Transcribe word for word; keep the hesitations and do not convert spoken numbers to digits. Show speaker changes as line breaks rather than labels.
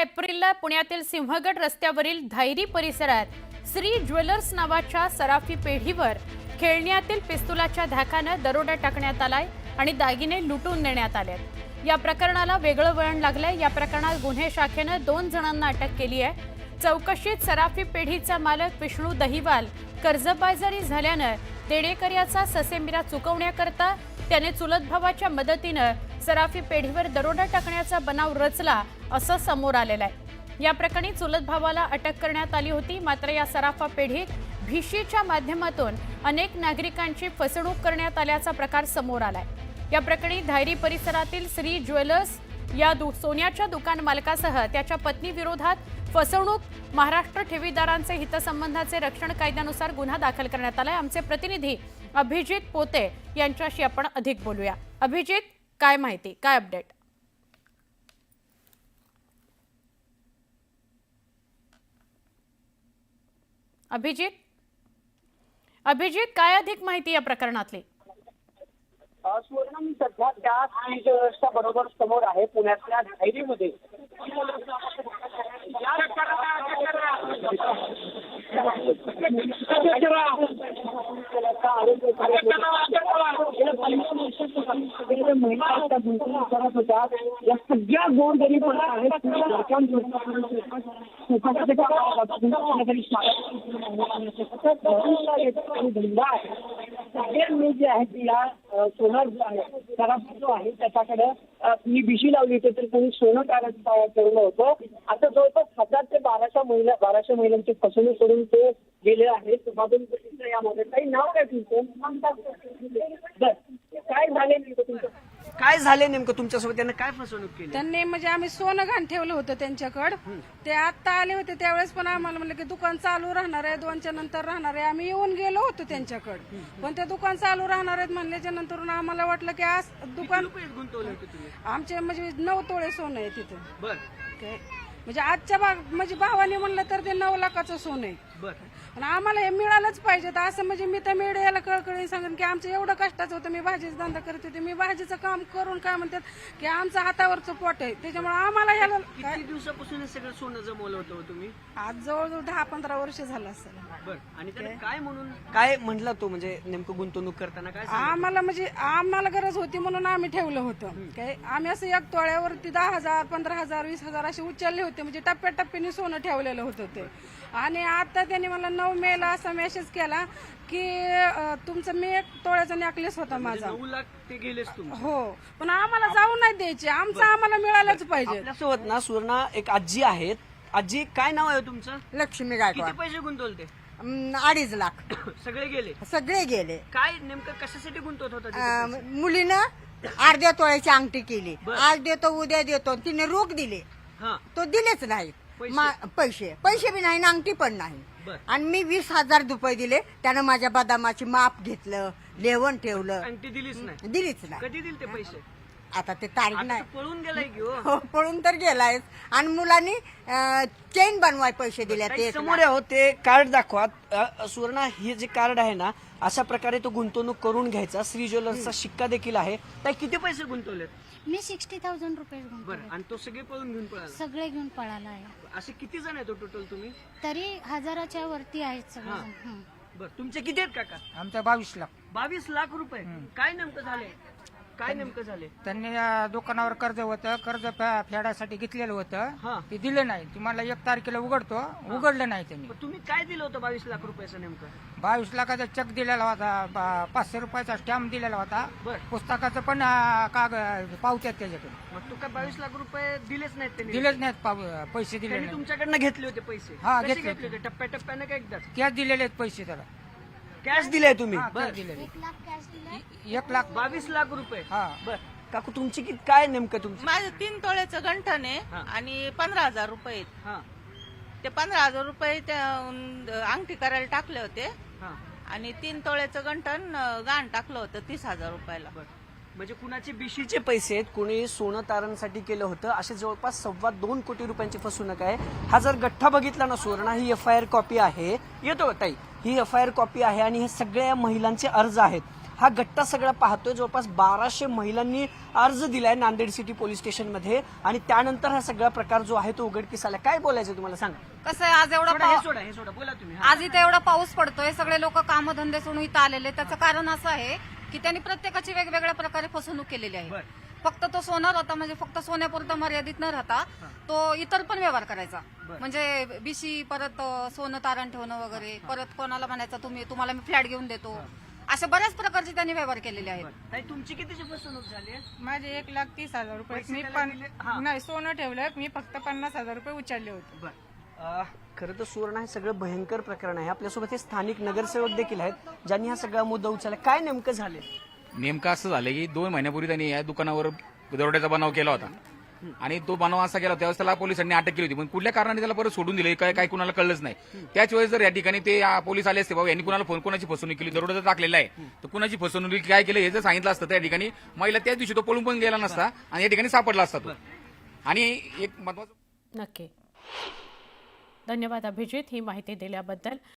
एप्रिलला पुण्यातील सिंहगड रस्त्यावरील धायरी परिसरात श्री ज्वेलर्स नावाच्या सराफी पेढीवर खेळण्यातील पिस्तुलाच्या धाकाने दरोडा टाकण्यात आलाय आणि दागिने लुटून नेण्यात आलेत। या प्रकरणाला वेगळं वळण लागलंय। या प्रकरणात गुन्हे शाखेने दोन जणांना अटक केली आहे। चौकशीत सराफी पेढीचा मालक विष्णू दहिवाल कर्जबाजारी झाल्याने देणेकऱ्याचा ससेमिरा चुकवण्याकरता त्याने चुलत भावाच्या मदतीने सराफी पेढीवर दरोडा टाकण्याचा बनाव रचला असं समोर आलेलं आहे। या प्रकरणी चुलत भावाला अटक करण्यात आली होती। मात्र या सराफा पेढीत भिशीच्या माध्यमातून अनेक नागरिकांची फसवणूक करण्यात आल्याचा प्रकार समोर आलाय। या प्रकरणी धायरी परिसरातील श्री ज्वेलर्स या सोन्याच्या दुकान मालकासह त्याच्या पत्नी विरोधात फसवणूक महाराष्ट्र ठेवीदारांचे हितसंबंधाचे रक्षण कायद्यानुसार गुन्हा दाखल करण्यात आलाय। आमचे प्रतिनिधी अभिजित पोते यांच्याशी आपण अधिक बोलूया। अभिजित, काय माहिती, काय अपडेट? अभिजित अभिजित काय अधिक माहिती या प्रकरणातली?
सुवर्ण, मी सध्या त्या श्री ज्वेलर्सच्या बरोबर समोर आहे, पुण्यातल्या धायरीमध्ये। महिला करत होत्या, या सगळ्या गोरगरीब आहेत मी जे आहे तिला सोनं जो आहे सराफी जो आहे त्याच्याकडे मी भिशी लावली होती, तर त्यांनी सोनं काढत ठेवलं होतं। आता जवळपास हजार ते बाराशे महिला बाराशे महिलांची फसवणूक करून ते गेले आहेत। यामध्ये काही नाव काय तुमचं? काय झाले नेमकं तुमचं?
काय झाले नेमकं तुमच्यासोबत? त्यांना काय फसवणूक केली?
त्यांनी म्हणजे आम्ही सोनं घाण ठेवलं होतं त्यांच्याकडे। ते आता आले होते त्यावेळेस पण आम्हाला म्हणलं की दुकान चालू राहणार आहे, दोनच्या नंतर राहणार आहे। आम्ही येऊन गेलो होतो त्यांच्याकडे, पण ते दुकान चालू राहणार आहेत म्हणल्याच्या नंतर आम्हाला वाटलं की आज दुकान
गुंतवले होते तुम्ही?
आमचे म्हणजे नऊ तोळे सोनं आहे तिथं।
बर,
म्हणजे आजच्या भाग म्हणजे भावाने म्हणलं तर ते नऊ लाखाचं सोनं आहे।
बर,
पण आम्हाला हे मिळालंच पाहिजे। तर असं म्हणजे मी तर मीडियाला कळकळीने सांगेन की आमचं एवढं कष्टाचं होतं। मी भाजीचा धंदा करते होते, मी भाजीचं काम करून काय म्हणतात की आमचं हातावरचं पोट आहे, त्याच्यामुळे आम्हाला ह्याला
किती दिवसापासून हे सगळं सोनं जमवलं होतं तुम्ही?
आज जवळजवळ दहा पंधरा वर्ष झालं असेल।
बर, आणि त्याला काय म्हणून काय म्हणला तो? म्हणजे नेमकं गुंतवणूक करताना काय सांगितलं?
आम्हाला म्हणजे आम्हाला गरज होती म्हणून आम्ही ठेवलं होतं। काय आम्ही असं एक तोळ्यावरती दहा हजार पंधरा हजार वीस हजार असे उचलले होते, म्हणजे टप्प्याटप्प्याने सोनं ठेवलेलं होतं ते। आणि आता त्यांनी मला नऊ मे ला असा मेसेज केला की तुमचं मी एक तोळ्याचा नेकलेस होता माझा।
नऊ लाख ते गेलेच तुम्ही?
हो, पण आम्हाला जाऊ नाही द्यायचे, आमचं आम्हाला मिळालंच पाहिजे।
आपल्यासोबत ना सुवर्णा एक आजी आहेत। आजी, काय नाव आहे तुमचं?
लक्ष्मी गायकवाड।
किती पैसे गुंतवले ते?
अं, अडीच लाख
सगळे गेले?
सगळे गेले।
काय नेमकं कशासाठी गुंतवत होता तिथे
अं,
पैसे?
मुलीनं अर्ध्या तोळ्याची अंगठी केली,
बरं.
आज देतो उद्या देतो, तिने रोख दिले,
हा,
तो दिलेच नाही
पैसे?
मा- पैसे पैसे बी नाही, अंगठी पण नाही।
बरं.
आणि मी वीस हजार रुपये दिले, त्यानं माझ्या बदामाची माप घेतलं, लेवण ठेवलं,
आणि ती दिलीच नाही?
दिलीच नाही।
कधी दिले ते पैसे?
आता ते तारीख
आता
नाही,
तर पळून गेलाय की हो?
हो, पळून तर गेलाय। आणि मुलांनी चेन बनवाय पैसे दिले,
काही
ते
समोर आहे हो, ते कार्ड दाखवा। अ, सुवर्णा, हे जे कार्ड आहे ना, अशा प्रकारे तो गुंतवणूक करून घ्यायचा। श्री ज्वेलर्सचा शिक्का देखील आहे। ताई, किती पैसे गुंतवलेत?
मी सिक्स्टी थाउजंड रुपये
बरं, आणि तो सगळे पळून घेऊन पळाला?
सगळे घेऊन पळाला आहे।
असे किती जण आहेत टोटल तुम्ही?
तरी हजाराच्या वरती आहेत सगळे
हा.
जण. हं.
बरं, तुमचे किती आहेत काका?
आमच्या बावीस लाख
बावीस लाख रुपये? काय नेमकं झाले? काय नेमकं झाले?
त्यांनी अं, दुकानावर कर्ज होतं, कर्ज फे- फेडायसाठी घेतलेलं
हा.
होतं, ते दिलं नाही। तुम्हाला एक तारखेला उघडतो, उघडलं नाही त्यांनी।
पण तुम्ही काय दिलं होतं बावीस लाख रुपयाचं नेमकं?
बावीस लाखाचा चेक दिलेला होता, बा- पाचशे रुपयाचा स्टॅम्प दिलेला होता,
बरं.
पुस्तकाचं पण अं, कागद पावत्यात त्याच्याकडे
मग तू काय बावीस लाख रुपये दिलेच नाहीत त्यांनी?
दिलेच नाहीत, पाव- पैसे दिले
त्यांनी
नाही,
तुमच्याकडनं घेतले होते पैसे?
हा,
कसे
घेतले
घेतले होते? टप्प्याटप्प्यानं का एकदाच?
कॅश दिलेले आहेत पैसे त्याला,
कॅश दिले तुम्ही?
हा,
बरं.
cash दिलेले
एक लाख कॅश दिलाय.
एक लाख।
बावीस लाख रुपये?
हा,
बर, काकू तुमची किती, काय नेमकं तुमचं?
माझं तीन तोळ्याचं गंठण आहे
हा.
आणि पंधरा हजार रुपये आहेत.
हा,
ते पंधरा हजार रुपये त्या अं, अंगठी करायला टाकले होते
हा,
आणि तीन तोळ्याचं गंठण अं, गाण टाकलं होतं तीस हजार रुपयाला.
बर. म्हणजे कुणाचे बिशीचे पैसे आहेत, कुणी सोनं तारणसाठी केलं होतं, असे जवळपास सव्वा दोन कोटी रुपयांची फसवणूक आहे। हा जर गठ्ठा बघितला ना सुवर्णा, ही एफ आय आर कॉपी आहे, येतो ताई, ही एफ आय आर कॉपी आहे आणि हे सगळ्या महिलांचे अर्ज आहेत। हा गट्टा सगळा पाहतोय. जवळपास बाराशे महिलांनी अर्ज दिलाय नांदेड सिटी पोलीस स्टेशनमध्ये आणि त्यानंतर हा सगळा प्रकार जो आहे तो उघडकीस आला. काय बोलायचं तुम्हाला सांगा.
कसं आहे, आज एवढा
सोडा, हे
पाऊ-
सोडा हे सोडा बोला तुम्ही.
आज इथे एवढा पाऊस पडतोय, सगळे लोक कामधंदे सोडून इथं आलेले. त्याचं कारण असं आहे की त्यांनी प्रत्येकाची वेगवेगळ्या प्रकारे फसवणूक केलेली आहे. फक्त तो सोनार होता, म्हणजे फक्त सोन्यापुरता मर्यादित न राहता तो इतर पण व्यवहार करायचा. म्हणजे बिशी, परत अ, सोनं तारण ठेवणं वगैरे, परत कोणाला म्हणायचं तुम्ही तुम्हाला मी फ्लॅट घेऊन देतो, अशा बऱ्याच प्रकारचे त्यांनी व्यवहार केलेले आहेत.
ताई, तुमची कितीची फसवणूक झाली आहे?
माझे एक लाख तीस हजार रुपये
पैसे
मी
त्याला
पण
दिले? हा.
नाही सोनं ठेवलं, मी फक्त पन्नास हजार रुपये उचलले होते.
अ, खरं तर सुवर्ण हे सगळं भयंकर प्रकरण आहे. आपल्यासोबत हे स्थानिक नगरसेवक देखील आहेत ज्यांनी हा सगळा मुद्दा उचलला. काय नेमकं झालं?
नेमकं असं झालं की दोन महिन्यापूर्वी त्यांनी या दुकानावर दरोड्याचा बनाव केला होता आणि तो बनाव असा केला त्यावेळेस त्याला पोलिसांनी अटक केली होती. पण कुठल्या कारणाने त्याला परत सोडून दिले काय काय कुणाला कळलंच नाही. त्याच वेळेस जर या ठिकाणी ते आ, पोलीस आले असते, बाबा यांनी कुणाला फोन कोणाची फसवणूक केली, दरोडा जर टाकलेला आहे तर कुणाची फसवणूक काय केलं हे जर सांगितलं असतं त्या ठिकाणी महिला त्याच दिवशी तो पळून पण गेला नसता आणि या ठिकाणी सापडला असता तो. आणि एक महत्वाचं
नक्की. धन्यवाद अभिजित ही माहिती दिल्याबद्दल.